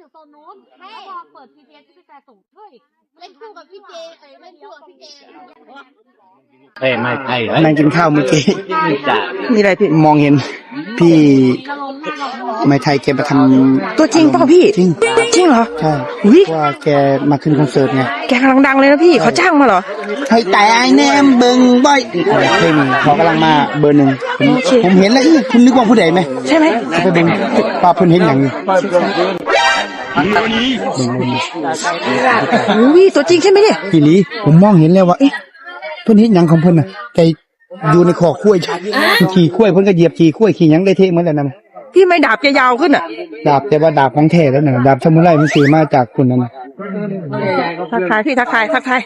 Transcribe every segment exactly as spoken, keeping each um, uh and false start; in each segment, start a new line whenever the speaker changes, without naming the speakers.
อยู่โซนนู้นแล้วพอเปิด พี ที เอส ที่พี่แฟส่งเฮ้ยเล่นคู่กับพี่เจเอ้ยเล่นคู่กับพี่เจ
เอ้ยไม่ใช่
นั่งกินข้าวเมื่อกี้
จ้ะ
มีอะไรพี่มองเห็นพี่ไม่ไทยแกมาทำ
ตัวจริงเปล่าพี่จริงจริงเหรอ
ใช่
อุ้ย
ว่าแกมาขึ้นคอนเสิร์ตไง
แกกำลังดังเลยนะพี่เขาจ้างมาเหรอ
ให้แต่ไอ้แนมเบิงบ่อยเพลงเขากำลังมาเบอร์หนึ่งผม
โอเค
ผมเห็นแล้วอีคุณนึกว่าผู้ใดไหม
ใช่ไหม
ไปเบิ่งป้าเพิ่นเห็นอย่างนี้
อุ้ยตัวจริงใช่ไหมเนี่ย
พี่ลีผมมองเห็นแล้วว่าเอ๊ะเพิ่นเห็นหยังของเพิ่นน่ะแกอยู่ในคอกล้วยขี่กล้วยเพิ่นก็เหยียบขี่กล้วยขี่หยังได้เท่เหมือนกันนั่น
พี่ไม่ดาบจะยาวขึ้นอ่ะ
ดาบแต่ว่าดาบของแท้แล้วน่ะดาบซามูไรมันซื้อมาจากคนนั้นน่ะ
ทักทายพี่ทักทายทักทาย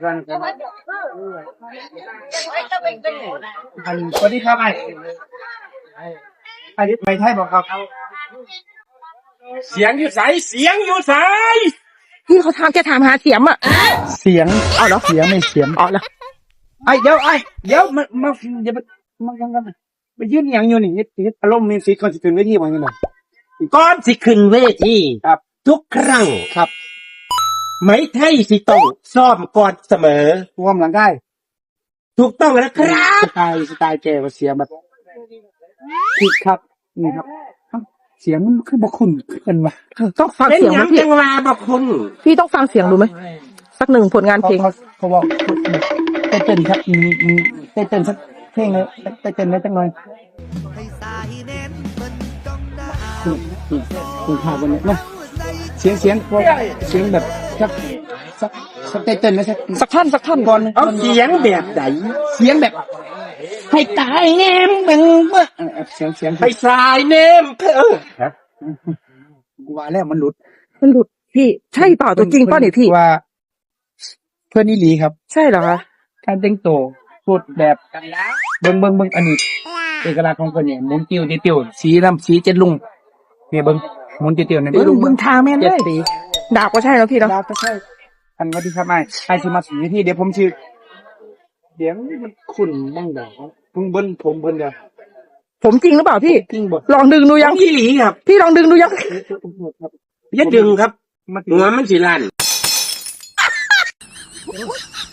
อันสวัสดีครับไอ้ไอ้ไม่ไทยบอกครับ
เสียงอยู่ใสเสียงอยู่ใส
พี่เขาถามแกถามหาเสียมอ่ะ
เสียงเอาเหรอเสียงไม่เสียง
อ๋อเหรอ
ไอ้เดี๋ยวไอ้เดี๋ยวมามาอย่ามามากันกันไปยืนอย่างอยู่นี่ติดอารมณ์มีสิทธิ์ก่อนสิขึ้นเวทีว่าจังได๋
ก่อนสิขึ้นเวที
ครับ
ทุกครั้ง
ครับ
ไหมไทยสิต้องซ้อมก่อนเสมอ
รวมหลังได้
ถูกต้องแล้วครับ
สไตล์สไตล์แกว่าเสียงแบบผิดครับนี่ครับเอ้าเสียงมันคือบ่คุ้นกันว่ะ
ต้องฟัง
เป็น
เสียง
หยั
นะ
ง
พี่
จังว่าบอกคุณ
พี่ต้องฟังเสียงดูไหมสักหนึ่งผลงาน
เขา
เพลง
เขาเขาบอกเต้นเต้นครับมีมีเต้นเต้นสักเพลงเลยเต้นเต้นได้จังหน่อยคุณคุณข่าววันนี้นะเสียงเสียงพวกเสียงแบบสักสักสักเต้นเต้นนะสัก
สักท่อนสักท่อน
ก่อน
เอาเสียงแบบไหน
เสียงแบบให้ตายแนมเบิ่งเบิ่งเสียงเสียง
ไปสายเนมเพอครับ
กูว่าแล้วมันหลุด
มันหลุดพี่ใช่เปล่าตัวจริงเปล่าเนี่ยพี่
ว่า เพื่อนนี่หลีครับ
ใช่เหรอคะ
การแต่งตัวพูดแบบเบิ่งเบิ่งเบิ่งอันนี้เอกลักษณ์ของเพิ่นเนี่ยหมุนติ้วติ้วติ้วสีน้ำสีเจ็ดลุงเนี่ยเบิ่งหมุนติ้วติ้วเนี่ย
เออมึงทางแม่นเลยดาบก็ใช่แล้วพี่เนาะ
ดาวก็ใช่อันว่าที่ครับไอ้ไอ้สิมาถึงที่เดี๋ยวผมชื่อเสียงมันขุ่นบ้างเด้อเพิ่งเบิ่นผมเพิ่นเด้อ
ผมจริงหรือเปล่าพี่
จริงบ่
ลองดึงดู
ยั
ยัง ง
ยี่หลีครับ
พี่ลองดึงดูยัง
อย่าดึงครับ
มาถึง
หัวมันสิลั่น